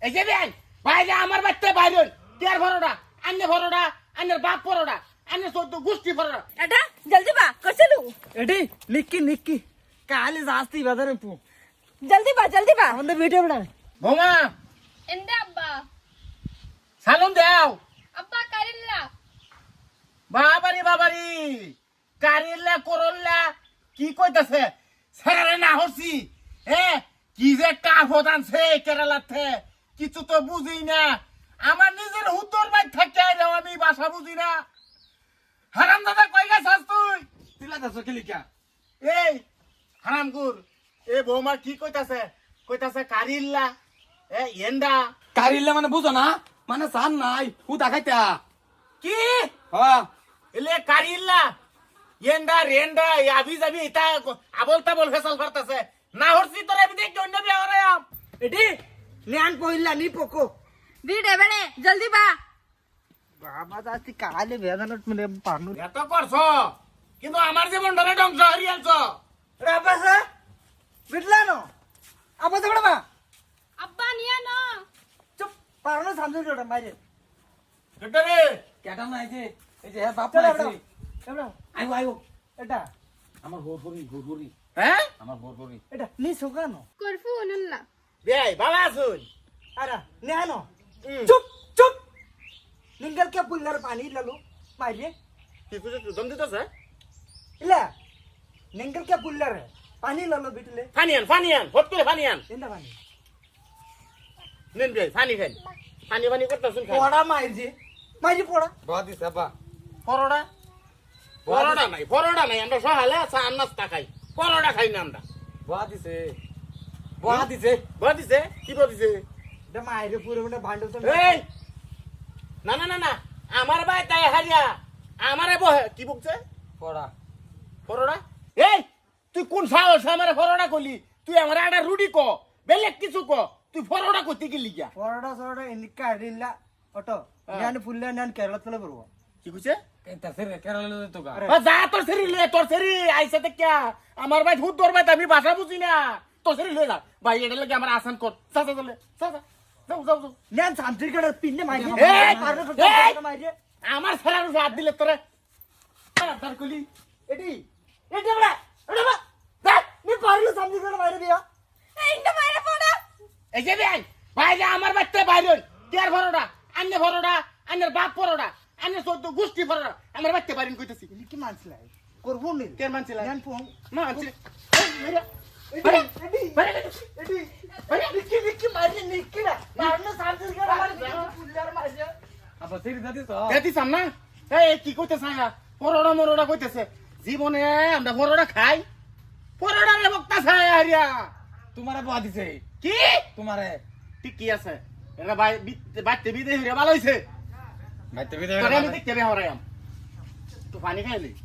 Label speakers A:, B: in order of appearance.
A: এই যে ভাই বাইরে আমার বাচ্চা বাইরে তের ভরোটা আন্নে ভরোটা আন্নের বাপ ভরোটা আন্নে চোদ্দ গোষ্ঠী ভরোটা
B: এটা জলদি বা করছিলু
C: এডি নিক্কি কালি জাস্তি বাজারে পু
B: জলদি বা
C: আমাদের ভিডিও বড়
A: বোমা
D: എന്താ അബ്ബാ
A: সালুন দেও
D: അബ്ബാ കരില്ല
A: বাবারি কারিল্লা করল্লা কি কইতাছে স্যারে না হচ্ছি কি যে কাফত আনছে কেরালাতে কিছু তো বুঝি না আমার নিজের হুতর বাই থাকে আমি ভাষা বুঝি না হারাম দাদা কই গেছস তুই
C: তিলা দাস কিলিকা
A: এই হারামগুর এ বৌমা কি কইতাছে কারিল্লা এন্ডা
C: কারিলে মানে বুঝো না মানে সান নাই হুতা খাইতা
A: কি
C: হ্যাঁ
A: এলে কারিল্লা এন্ডা রেন্ডা আবি যাবি এটা আবল তাবল ফেসাল করতেছে না হরছি তোর আমি দেখি অন্য বিয়ে হরাম
C: এডি নিয়ান কইলা নি পকো
B: ভিডিও বনে জলদি বা
C: বাবা জাস্তি কালি বেদানত মানে পানু
A: এত করছ কিন্তু আমার জীবন ধরে ধ্বংস হরিয়ালছ
C: রাবাসা বিটলানো আবা তো বড়বা
D: അബ്ബാ নিয়া
C: চুপ পারনো সামনে জোড়া বাইরে
A: কেটে
C: কেটা নাই যে এই যে বাপ
B: চলো,
C: নাই যে
B: এবড়া
C: আইও
B: এটা
C: আমার গোরগরি
A: হ্যাঁ
C: আমার গোরগরি
B: এটা নি সুগানো
D: করফু অনুল্লা
A: বেই বাবা শুন
B: আরা নেহানো
C: চুপ চুপ
B: নিঙ্গল কে পুল্লার পানি লালো মাইরে
A: কি কুছে দম দিতেছে
B: ಇಲ್ಲ ನಿಂಗಲ್ ಕೆ ಪುಲ್ಲರ್ ಪಾನಿ ಲಲ್ಲ ಬಿಟ್ಲೆ
A: ফানিয়ান হট করে ফানিয়ান
B: ಎಂದ ಪಾನಿ
A: নেন বে ফানি করতেছুন খা
B: ಪೋಡ ಮಾইಜಿ ಮಾইಜಿ ಪೋಡ
C: বাদি সাবা
A: পরোটা পরোটা নাই আমরা সহালে চা নাস্তা খাই পরোটা খাই না আমরা
C: বাদিছে
A: বদিছে কি বদিছে
B: ದ ಮಾইರೆ ಪೂರ ಬಡ ಬಾಂಡು তো
A: এই না আমার ভাই তাই হারিয়া আমারে বহে কি বকছে
C: পড়া
A: পরোটা এই তুই কোন সাহস আমারে পরোটা কইলি তুই আমারে একটা রুটি ক বেলেগ কিছু ক তুই পরোটা কইতে গেলি গিয়া
B: ಪೋಡ ಸೋಡ ಎನ್ನಿಕ್ಕ ಅಡಿಲ್ಲ ಒಟೋ ನಾನು ಫುಲ್ಲ ನಾನು ಕೇರಳತಲೆ ಬರುವ
A: কি কইছে
C: এটা সেরে কেরালা তো গা
A: যা তোর সেরি আইসা তে কে আমার ভাই ভূত দরবাই আমি ভাষা বুঝি না তোর সেরি লয়ে যা ভাই এটা লাগে আমার আসান কর চা যাও
B: ನಾನು ಸಾಂತ್ರಿ ಕಡೆ ಪಿನ್ನೆ ಮಾইಜಿ
A: ಏಯ್!
B: ಮಾইಜಿ
A: আমার ফেরার হাত দিলে তোরে তার কলি এডি এডি বড়
B: ನೀ ಪಾರ್ಲು ಸಾಂತ್ರಿ ಕಡೆ ಮಾইರೆ ಬಿಯಾ
D: ইন্দ মাইরে পড়া
A: এই যে ভাই যে আমার বাচ্চা বাইরে তের ভরোটা আন্নের বাপ ভরোটা আন্নের চোদ্দ গোষ্ঠী ভরোটা আমার বাচ্চা বাইরে কইতেছি
B: ನಿಕ್ಕಿ ಮಾನ್ಸಲ ಕೊರ್ಬು ನೀ
A: তের মানছিল
B: ನಾನು ಫೋನ್
A: না মানছিল
B: ನಿಕ್ಕಿ ಮಾರಿ ನಿಕ್ಕಿಡ ಪಾರ್ಲು ಸಾಂತ್ರಿ ಕಡೆ ಮಾರಿ ಪುಲ್ಲರ್ ಮಾರಿ
C: আবার সেরি দাদি তো
A: দেখছিস না এই কি কইতেছ না পরোটা মরোটা কইতেছে জীবনে আমরা পরোটা খাই পরোটা রে বক্তা খাই হারিয়া
C: তোমারে বাদিছে
A: কি
C: তোমারে
A: ঠিক কি আছে এটা ভাই বাচ্চা বিদে হইরে ভালো হইছে
C: ভাইতে
A: তোরে আমি দেখতে বে হরাইম তো পানি খাইলি